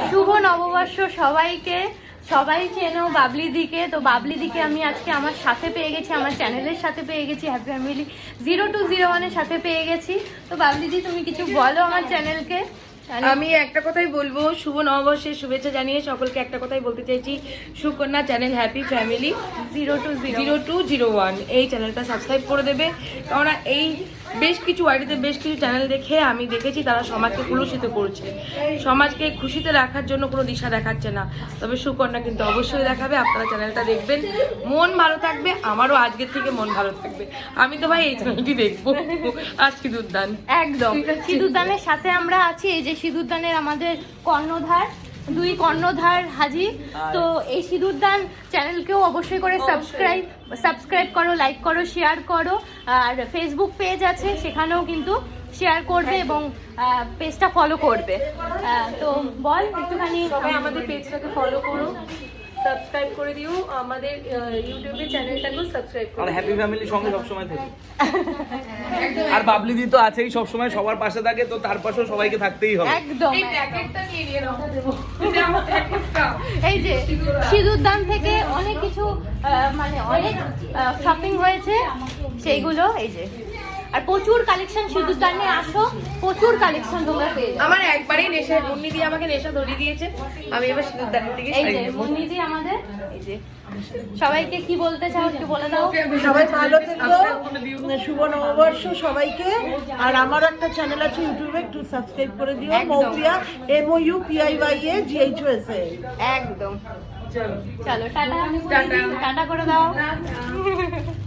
শুভ নববর্ষ সবাইকে। সবাই চেনো বাবলি দিকে, তো বাবলি দিকে আমি আজকে আমার সাথে পেয়ে গেছি, আমার চ্যানেলের সাথে পেয়ে গেছি, হ্যাপি ফ্যামিলি 0201-এর সাথে পেয়ে গেছি। তো বাবলি দি তুমি কিছু বলো আমার চ্যানেলকে। আমি একটা কথাই বলবো, শুভ নববর্ষের শুভেচ্ছা জানিয়ে সকলকে একটা কথাই বলতে চাইছি, সুকন্যা চ্যানেল হ্যাপি ফ্যামিলি 0201 এই চ্যানেলটা সাবস্ক্রাইব করে দেবে। কেননা এই বেশ কিছু ওয়াইটিতে বেশ কিছু চ্যানেল দেখে আমি দেখেছি তারা সমাজকে কলুষিত করছে, সমাজকে খুশিতে রাখার জন্য কোনো দিশা দেখাচ্ছে না। তবে সুকন্যা কিন্তু অবশ্যই দেখাবে, আপনারা চ্যানেলটা দেখবেন, মন ভালো থাকবে, আমারও আজকের থেকে মন ভালো থাকবে। আমি তো ভাই এই চ্যানেলটি দেখবো। আর সিঁদুরদান একদম সিঁদুরদানের সাথে আমরা আছি। এই যে সিঁদুরদানের আমাদের কর্ণধার, দুই কর্ণধার হাজির। তো এই সিঁদুরদান চ্যানেলকেও অবশ্যই করে সাবস্ক্রাইব করো, লাইক করো, শেয়ার করো। আর ফেসবুক পেজ আছে, সেখানেও কিন্তু শেয়ার করবে এবং পেজটা ফলো করবে। তো বল একটুখানি। সবাই আমাদের পেজটাকে ফলো করো, সাবস্ক্রাইব করে দিও, আমাদের ইউটিউবে চ্যানেলটাকেও সাবস্ক্রাইব করো। আর হ্যাপি ফ্যামিলির সঙ্গে সবসময় থেকে। আর বাবলি দি তো আছেই সবসময়, সবার পাশে থাকে, তো তার পাশেও সবাইকে থাকতেই হবে। একদম এই প্যাকেটটা নিয়ে নিয়ে নাও, এটা আমার প্যাকেটটা। এই যে সিঁদুরদান থেকে অনেক কিছু মানে অনেক শপিং হয়েছে, সেইগুলো এই যে। আর প্রচুর কালেকশন সিঁদুরদানে, আসো, প্রচুর কালেকশন তোমরা পেয়ে যাবে। আমার একবারেই নেশা, মুন্নি দিয়ে আমাকে নেশা ধরিয়ে দিয়েছে, আমি এবার সিঁদুরদানের দিকে এই শাড়ি যে নেবো। মুন্নিজি আমাদের, এই যে সবাইকে কি বলতে চাও একটু বলে দাও। সবাই ভালো থেকো, শুভ নববর্ষ সবাইকে। আর আমার একটা চ্যানেল আছে ইউটিউবে, একটু সাবস্ক্রাইব করে দিও, একদম। মৌপিয়া MOUPIYAGHUSA। একদম চলো টাটা টাটা করে দাও।